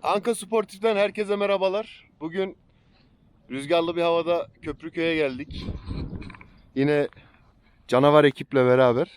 Anka Sportif'ten herkese merhabalar. Bugün rüzgarlı bir havada Köprüköy'e geldik. Yine canavar ekiple beraber.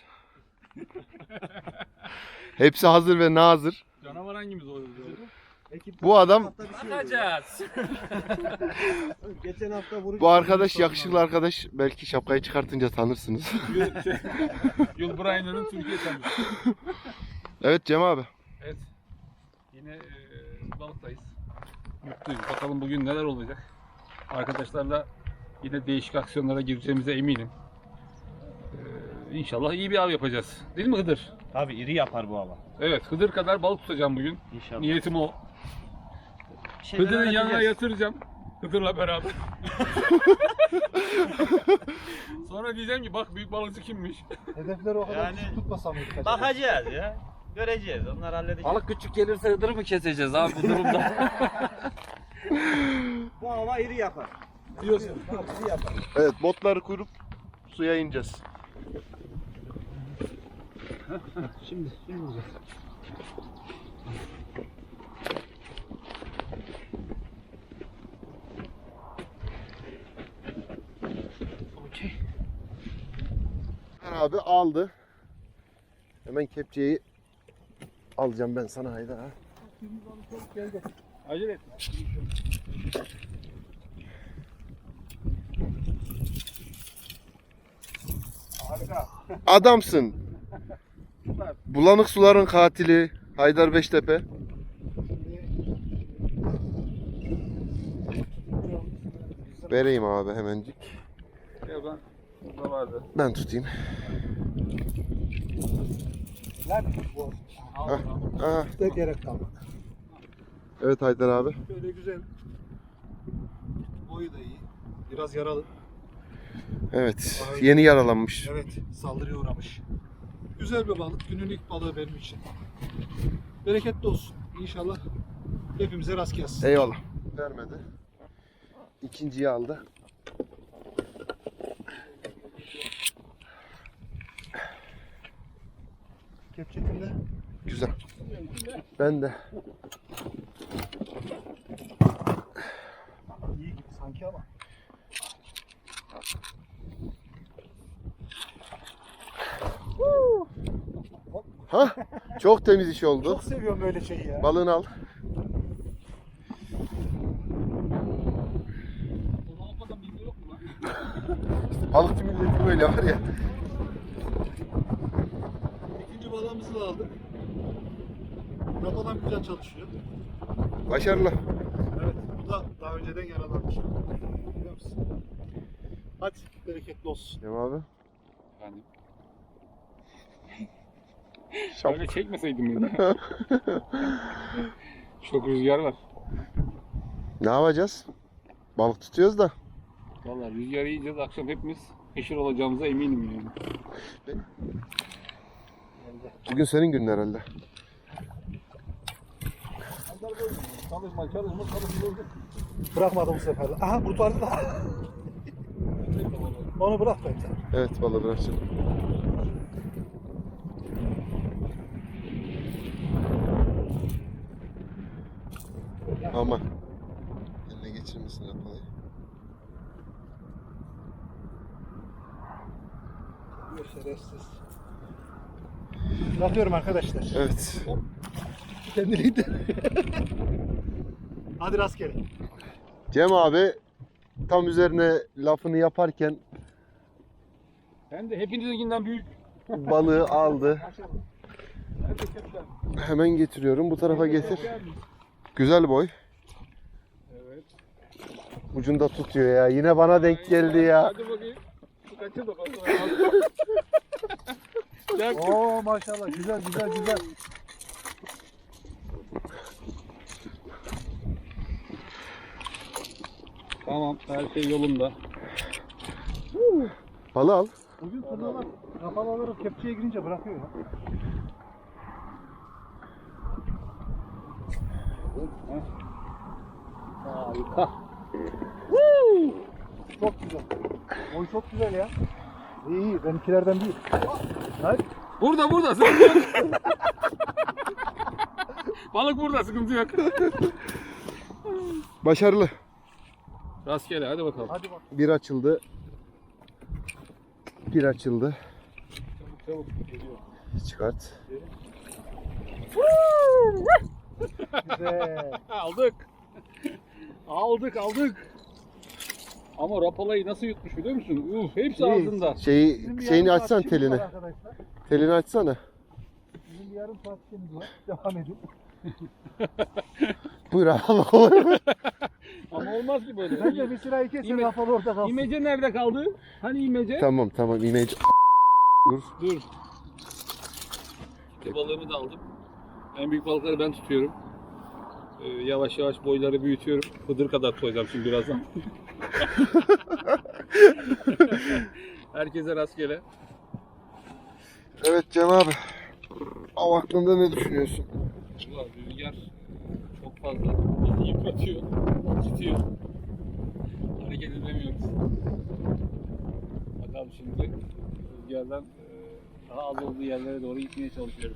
Hepsi hazır ve nazır. Canavar hangimiz oluyor? Bu adam, Bakacağız. Geçen hafta vuruş. bu arkadaş yakışıklı arkadaş. Belki şapkayı çıkartınca tanırsınız. Yul Brynner'ın Türkiye tanışı. Evet Cem abi. Evet. Yine balıktayız. Mutluyuz. Bakalım bugün neler olacak. Arkadaşlarla yine değişik aksiyonlara gireceğimize eminim. İnşallah iyi bir av yapacağız. Değil mi Hıdır? Tabii iri yapar bu hava. Evet, Hıdır kadar balık tutacağım bugün. İnşallah. Niyetim o. Bir şeyler Hıdır'ın yanına öğreteceğiz. yatıracağım. Hıdır'la beraber. Sonra diyeceğim ki bak büyük balıkçı kimmiş. Hedefleri o kadar Yani küçük tutmasam mıydık acaba? Bakacağız ya. Göreceğiz. Onları halledeceğiz. Balık küçük gelirse Hıdır'ı mı keseceğiz abi bu durumda? Bu hava iri yapar. Diyorsun. İri yapar. Evet, botları kurup suya ineceğiz. Şimdi vuracağız. Abi aldı. Hemen kepçeyi alacağım ben sana Haydar ha. Acele et. Adamsın. Bulanık suların katili Haydar Beştepe. Vereyim abi hemencik. Ya ben burada vardı. Ben tutayım. Lan bu Aha. da gerek kalmadı. Evet Haydar abi. Böyle güzel. Boyu da iyi. Biraz yaralı. Evet. Yeni yaralanmış. Evet, saldırıya uğramış. Güzel bir balık. Günün ilk balığı benim için. Bereketli olsun. İnşallah hepimize rast gelsin. Eyvallah. Vermedi. İkinciyi aldı. Kepçe kimde? Güzel. Ben de. İyi gibi sanki ama. Ha? Çok temiz iş oldu. Çok seviyorum böyle şeyi ya. Balığını al. Onu almadan bilgi yok mu lan? Balıkçı milleti böyle var ya. İkinci balığımızı da aldık. Rapadan güzel çalışıyor. Başarılı. Evet, bu da daha önceden yaralanmış. Biliyor musun? Hadi bereketli olsun. Cem abi. Yani Şap. öyle çekmeseydim beni. Çok rüzgar var. Ne yapacağız? Balık tutuyoruz da. Vallahi rüzgar yiyeceğiz. Akşam hepimiz pişir olacağımıza eminim yani. Bugün senin günün herhalde. Çalışma. Bırakmadı bu sefer. Aha kurtardı da. Onu bırak bence. Evet balığı bırakacağım. Aman. Eline geçirmesin rapalayı. Şerefsiz. Bırakıyorum arkadaşlar. Evet. Kendiliğinden. Hadi rastgele. Cem abi tam üzerine lafını yaparken Ben de hepinizinkinden büyük. balığı aldı. Hemen getiriyorum. Bu tarafa getir. Güzel boy. Evet. Ucunda tutuyor ya. Yine bana denk geldi ya. Hadi bakayım. Şu kaçır da bakalım. Oo maşallah güzel. Tamam, her şey yolunda. Balığı al. Bugün turnuvalar kafaları kepçeye girince bırakıyor ya. Harika. Çok güzel. Boy çok güzel ya. İyi benimkilerden değil. Hayır. Burada. Balık burada, sıkıntı yok. Başarılı. Rastgele, hadi bakalım. Hadi bak. Bir açıldı. Bir açıldı. Çabuk geliyor. Çıkart. Güzel. Aldık. Aldık. Ama rapalayı nasıl yutmuş biliyor musun? Hepsi ağzında. Bizim bir Şeyini yarım saat açsana işimiz telini. var arkadaşlar. Telini açsana. Bizim bir yarım saat işimiz var. Devam edin. Buyur abi. Ama olmaz ki böyle. Bence bir sırayı kesin İme- rafalı orada kalsın. İmece nerede kaldı? Hani imece? Tamam imece. Dur. Dur. Balığımı da aldım. En büyük balıkları ben tutuyorum. Yavaş yavaş boyları büyütüyorum. Hıdır kadar koyacağım şimdi birazdan. Herkese rastgele. Evet Cem abi. Av hakkında ne düşünüyorsun? Ulan rüzgar çok fazla. Bizi yıpratıyor, tutuyor. Hareket edemiyoruz. Bakalım şimdi rüzgardan daha az olduğu yerlere doğru gitmeye çalışıyoruz.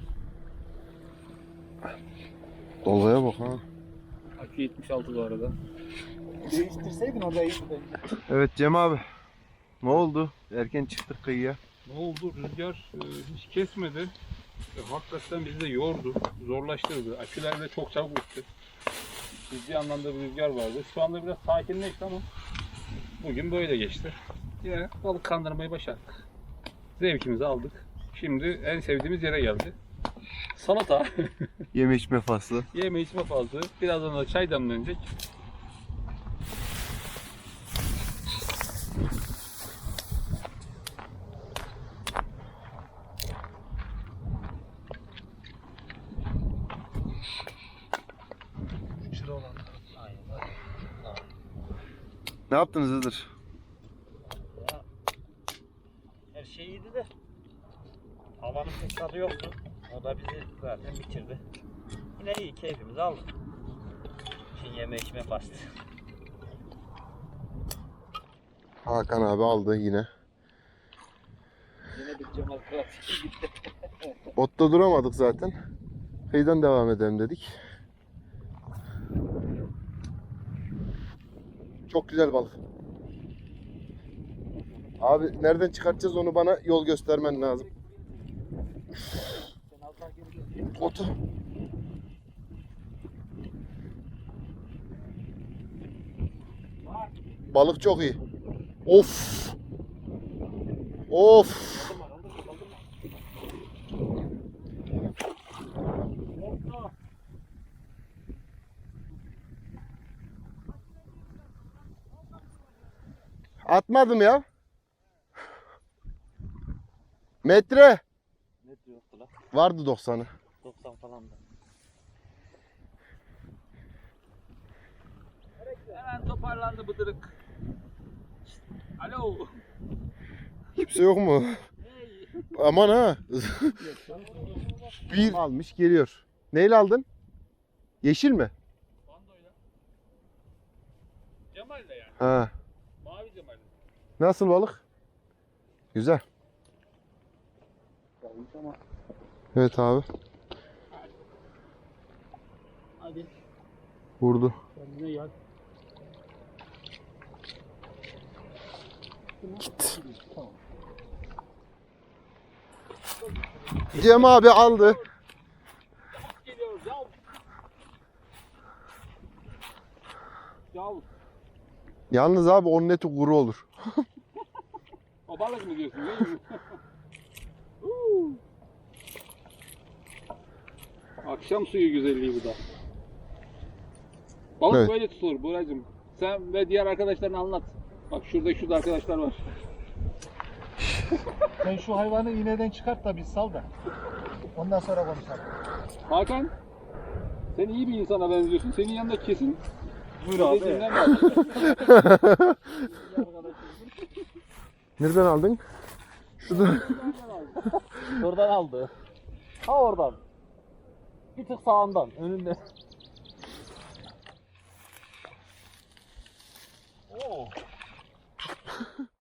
Dolaya bak ha. Akü 76 bu arada. Değiştirseydin orada iyi bence. Evet Cem abi. Ne oldu? Erken çıktık kıyıya. Ne oldu? Rüzgar hiç kesmedi. Hakikaten bizi de yordu, zorlaştırdı. Aküler de çok çabuk bitti. Ciddi anlamda bir rüzgar vardı. Şu anda biraz sakinleşti ama bugün böyle geçti. Yine balık kandırmayı başardık. Zevkimizi aldık. Şimdi en sevdiğimiz yere geldi. Salata, Yeme içme faslı. yeme içme fazla. Birazdan da çay demlenecek. Ne yaptınız Hızır? Her şey iyiydi de. Havanın pek tadı yoktu. O da bizi zaten bitirdi. Yine iyi, keyfimizi aldık. Şimdi yeme içme bastı. Hakan abi aldı yine. Yine bir Cemal Kırat gitti. Botta duramadık zaten. Kıyıdan devam edelim dedik. Çok güzel balık. Abi nereden çıkartacağız onu bana yol göstermen lazım. Otu. Balık çok iyi. Of. Of. Atmadım ya. Metre. Ne yoktu lan? Vardı 90'ı. 90 falan da. Hemen toparlandı bıdırık. Alo. Kimse yok mu? Aman ha. Bir almış geliyor. Neyle aldın? Yeşil mi? Bandoyla. Cemal'le yani. Ha. Mavi Cemal'le. Nasıl balık? Güzel. Evet abi. Hadi. Vurdu. Kendine gel. Git. Cem abi aldı. Geliyor. Yav. Yav. Yalnız abi onun eti kuru olur. O balık mı diyorsun değil mi? Akşam suyu güzelliği bu da. Balık Evet. böyle tutulur Buracığım. Sen ve diğer arkadaşlarına anlat. Bak şurada arkadaşlar var. Sen şu hayvanı iğneden çıkart da biz sal da. Ondan sonra konuşalım. Hakan, sen iyi bir insana benziyorsun. Senin yanında kesin Buyur abi. dediğinden var. Nereden aldın? Şurada. Oradan aldı. Ha oradan. Bir tık sağından, önünde.